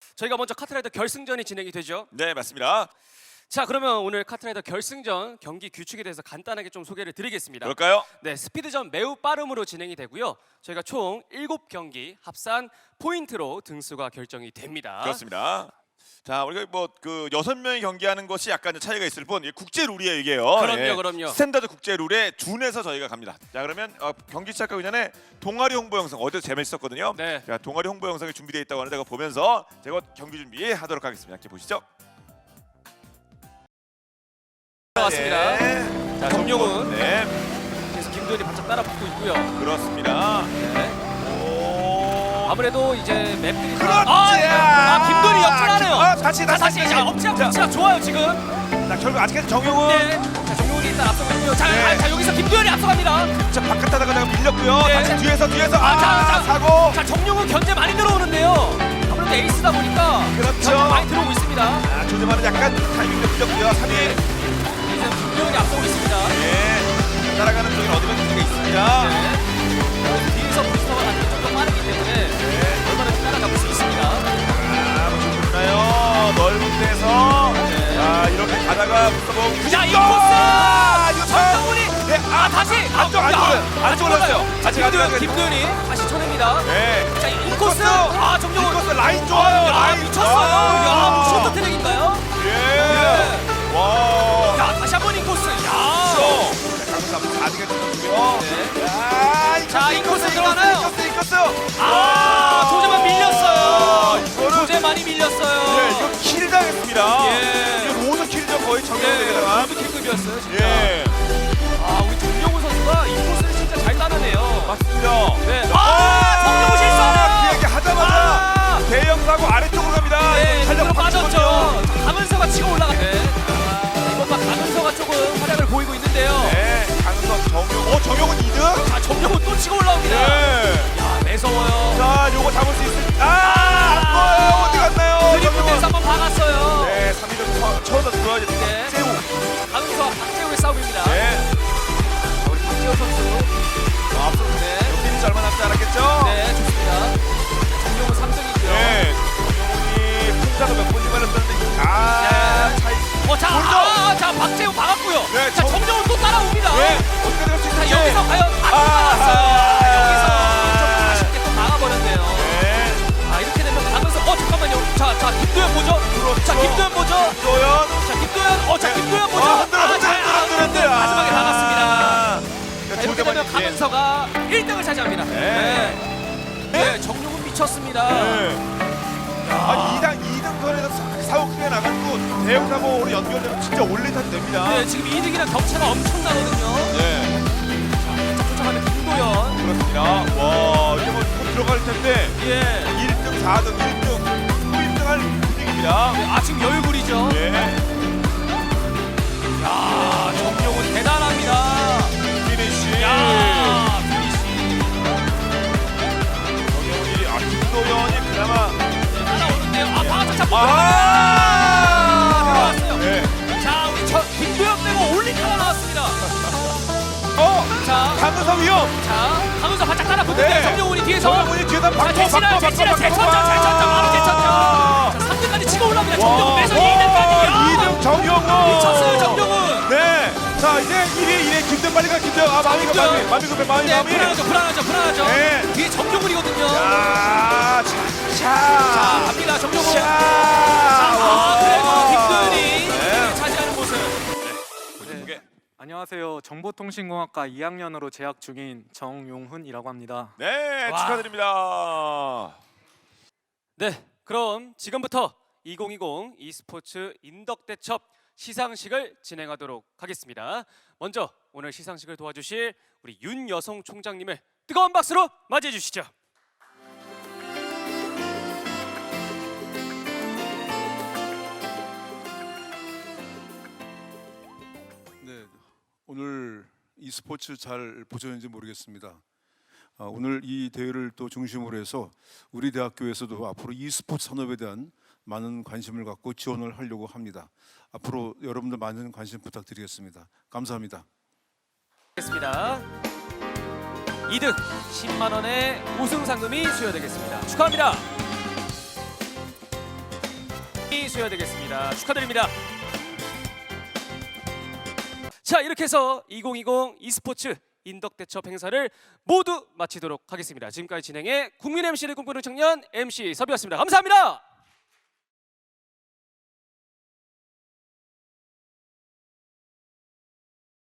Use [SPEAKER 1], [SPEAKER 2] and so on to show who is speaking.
[SPEAKER 1] 저희가 먼저 카트라이더 결승전이 진행이 되죠.
[SPEAKER 2] 네, 맞습니다.
[SPEAKER 1] 자, 그러면 오늘 카트라이더 결승전 경기 규칙에 대해서 간단하게 좀 소개를 드리겠습니다.
[SPEAKER 2] 그럴까요?
[SPEAKER 1] 네, 스피드전 매우 빠름으로 진행이 되고요. 저희가 총 7경기 합산 포인트로 등수가 결정이 됩니다.
[SPEAKER 2] 그렇습니다. 자, 우리가 뭐 그 6명이 경기하는 것이 약간 차이가 있을 뿐 이게 국제 룰이에요, 이게요.
[SPEAKER 1] 그럼요, 그럼요.
[SPEAKER 2] 스탠다드 국제 룰에 준해서 저희가 갑니다. 자, 그러면 경기 시작하기 전에 동아리 홍보 영상 어제도 재밌었거든요.
[SPEAKER 1] 네.
[SPEAKER 2] 자, 동아리 홍보 영상이 준비되어 있다고 하는데 그거 보면서 제가 경기 준비하도록 하겠습니다. 함께 보시죠.
[SPEAKER 1] 왔습니다.
[SPEAKER 2] 네.
[SPEAKER 1] 자, 정용훈.
[SPEAKER 2] 네,
[SPEAKER 1] 그래서 김도현이 바짝 따라붙고 있고요.
[SPEAKER 2] 그렇습니다.
[SPEAKER 1] 네.
[SPEAKER 2] 오.
[SPEAKER 1] 아무래도 이제 맵들이
[SPEAKER 2] 그렇지.
[SPEAKER 1] 김도현이 역전하네요.
[SPEAKER 2] 다시.
[SPEAKER 1] 자, 엎치락 좋아요 지금.
[SPEAKER 2] 자, 결국 아직까지 정용훈.
[SPEAKER 1] 네. 자, 정용훈이 일단 앞서고 있고요. 자,
[SPEAKER 2] 네.
[SPEAKER 1] 자, 여기서 김도현이 앞서갑니다.
[SPEAKER 2] 자, 바깥 하다가 제가 밀렸고요.
[SPEAKER 1] 네.
[SPEAKER 2] 다시 뒤에서
[SPEAKER 1] 자,
[SPEAKER 2] 사고.
[SPEAKER 1] 자, 정용훈 견제 많이 들어오는데요. 아무래도 에이스다 보니까
[SPEAKER 2] 그렇죠.
[SPEAKER 1] 견제 많이 들어오고 있습니다.
[SPEAKER 2] 아, 조재만은 약간 타이밍도 밀렸고요. 3위.
[SPEAKER 1] 이제 김도현이 앞서고 있습니다.
[SPEAKER 2] 예. 따라가는 쪽에 어드밴티지가 있습니다.
[SPEAKER 1] 네. 뒤에서 부스터가 가는 게 좀 더 빠르기 때문에 얼마든지 따라잡을 수 있습니다.
[SPEAKER 2] 아, 뭐 좋나요? 넓은 데서.
[SPEAKER 1] 네.
[SPEAKER 2] 자, 이렇게 가다가 붙어보고.
[SPEAKER 1] 자, 이 코스!
[SPEAKER 2] 자,
[SPEAKER 1] 정용훈이
[SPEAKER 2] 네,
[SPEAKER 1] 다시
[SPEAKER 2] 안 올랐어요. 아직
[SPEAKER 1] 김도현이 다시 쳐냅니다.
[SPEAKER 2] 네.
[SPEAKER 1] 자, 인코스. 아, 정용훈.
[SPEAKER 2] 인코스 라인 좋아요.
[SPEAKER 1] 야,
[SPEAKER 2] 라인
[SPEAKER 1] 미쳤어요. 야, 뭐 쇼트 트랙인가요?
[SPEAKER 2] 예. 와.
[SPEAKER 1] 야, 다시 한번 인코스. 야.
[SPEAKER 2] 강수 한번 가지게 주고요.
[SPEAKER 1] 네.
[SPEAKER 2] 야,
[SPEAKER 1] 자, 인코스 들어가나요?
[SPEAKER 2] 인코스.
[SPEAKER 1] 아, 조재만 밀렸어요.
[SPEAKER 2] 이거는
[SPEAKER 1] 조재만이 밀렸어요.
[SPEAKER 2] 예, 이거 킬 당했습니다.
[SPEAKER 1] 예.
[SPEAKER 2] 이거 로드 킬이죠, 거의
[SPEAKER 1] 예,
[SPEAKER 2] 정면에다가.
[SPEAKER 1] 로드 킬급이었어요, 진짜.
[SPEAKER 2] 예.
[SPEAKER 1] 아, 우리 정용훈 선수가 인코스를 진짜 잘 따내네요.
[SPEAKER 2] 맞습니다.
[SPEAKER 1] 네. 아, 정용훈 실수하네요.
[SPEAKER 2] 그 얘기 하자마자
[SPEAKER 1] 아!
[SPEAKER 2] 대형 사고 아래쪽으로 갑니다.
[SPEAKER 1] 네,
[SPEAKER 2] 살짝
[SPEAKER 1] 그대로
[SPEAKER 2] 빠졌거든요.
[SPEAKER 1] 빠졌죠. 자, 강은서가 치고 올라가네. 이번 막 강은서가 조금 활약을 보이고 있는데요.
[SPEAKER 2] 네, 강석 정용. 정용은 2등.
[SPEAKER 1] 자, 정용훈 또 치고 올라옵니다.
[SPEAKER 2] 네.
[SPEAKER 1] 야, 매서워요.
[SPEAKER 2] 자, 요거 잡을 수 있을. 안 보여요. 어디 갔나요?
[SPEAKER 1] 드리프트에서 한번 박았어요.
[SPEAKER 2] 네, 3위를 쳐서 들어야지.
[SPEAKER 1] 네.
[SPEAKER 2] 세우.
[SPEAKER 1] 강은서와 박재우의 싸움입니다.
[SPEAKER 2] 네.
[SPEAKER 1] 자, 우리 박재우 선수.
[SPEAKER 2] 앞서는데 여기는 얼마 남지 않았겠죠?
[SPEAKER 1] 네, 좋습니다. 정용훈 3등이고요.
[SPEAKER 2] 네. 정용훈이 풍자도 몇 번이 말렸었는데 차이.
[SPEAKER 1] 자, 박재우 박았고요.
[SPEAKER 2] 네,
[SPEAKER 1] 자, 정용훈 또 따라옵니다.
[SPEAKER 2] 네. 어떻게 될 수
[SPEAKER 1] 자,
[SPEAKER 2] 있을지.
[SPEAKER 1] 여기서 과연 안 막았어요. 여기서 좀 아쉽게 또 막아버렸네요.
[SPEAKER 2] 네.
[SPEAKER 1] 아, 이렇게 되면 가면서 잠깐만요. 자, 김도현 보죠.
[SPEAKER 2] 그렇죠.
[SPEAKER 1] 자, 김도현 보죠.
[SPEAKER 2] 도연.
[SPEAKER 1] 자, 김도현. 자, 김도현 보죠.
[SPEAKER 2] 흔들어.
[SPEAKER 1] 마지막에 나갔습니다. 자, 이렇게 되면
[SPEAKER 2] 조재만이-
[SPEAKER 1] 가면서가 1등을 차지합니다.
[SPEAKER 2] 네.
[SPEAKER 1] 네, 정용훈 미쳤습니다.
[SPEAKER 2] 네. 아니 2등 선에서 사고 크게 나갔고 대형 사고로 연결되면 진짜 올리타도 됩니다.
[SPEAKER 1] 네, 지금 2등이랑 격차가 엄청나거든요.
[SPEAKER 2] 네.
[SPEAKER 1] 쫓아가는 김도현.
[SPEAKER 2] 그렇습니다. 와, 이제 뭐 들어갈 텐데
[SPEAKER 1] 예.
[SPEAKER 2] 1등, 4등, 1등, 또 1등 할 분위기입니다.
[SPEAKER 1] 네, 아, 지금 여유부리죠.
[SPEAKER 2] 예.
[SPEAKER 1] 야, 정용훈 대단합니다.
[SPEAKER 2] 피니쉬.
[SPEAKER 1] 야, 피니시.
[SPEAKER 2] 정영훈이 김도현이 그나마
[SPEAKER 1] 따라오는데요. 아, 방아차 잡고 들어왔어요.
[SPEAKER 2] 네.
[SPEAKER 1] 자, 우리 김도현 빼고 올리타가 나왔습니다. 자,
[SPEAKER 2] 강은서 위험.
[SPEAKER 1] 자, 강은서 바짝 따라붙는데
[SPEAKER 2] 네.
[SPEAKER 1] 정용훈이 뒤에서.
[SPEAKER 2] 정영훈이 뒤에다
[SPEAKER 1] 자,
[SPEAKER 2] 바꿔
[SPEAKER 1] 제치라, 잘 쳤죠. 바로 제쳤죠. 자, 3등까지 치고 올라옵니다. 정용훈 빼서 2등까지.
[SPEAKER 2] 2등 정영훈.
[SPEAKER 1] 미쳤어요, 정용훈.
[SPEAKER 2] 네. 자, 이제 1위 김도현 빨리 가. 김도현. 마음이 급해. 마음이.
[SPEAKER 1] 네, 불안하죠.
[SPEAKER 2] 네.
[SPEAKER 1] 뒤에 정용훈이거든요.
[SPEAKER 2] 자,
[SPEAKER 1] 자, 갑니다, 정용훈. 그래도 김도현이 차지하는 모습.
[SPEAKER 2] 네.
[SPEAKER 3] 안녕하세요. 정보통신공학과 2학년으로 재학 중인 정용훈이라고 합니다.
[SPEAKER 2] 네,
[SPEAKER 1] 와.
[SPEAKER 2] 축하드립니다.
[SPEAKER 1] 네, 그럼 지금부터 2020 e스포츠 인덕대첩 시상식을 진행하도록 하겠습니다. 먼저 오늘 시상식을 도와주실 우리 윤여성 총장님을 뜨거운 박수로 맞이해 주시죠.
[SPEAKER 4] 네, 오늘 e스포츠 잘 보셨는지 모르겠습니다. 오늘 이 대회를 또 중심으로 해서 우리 대학교에서도 앞으로 e스포츠 산업에 대한 많은 관심을 갖고 지원을 하려고 합니다. 앞으로 여러분들 많은 관심 부탁드리겠습니다. 감사합니다.
[SPEAKER 1] 겠습니다. 2등 10만 원의 우승 상금이 수여되겠습니다. 축하합니다. 있어야 되겠습니다. 축하드립니다. 자, 이렇게 해서 2020 e스포츠 인덕대첩 행사를 모두 마치도록 하겠습니다. 지금까지 진행해 국민 MC를 꿈꾸는 청년 MC 섭이었습니다. 감사합니다.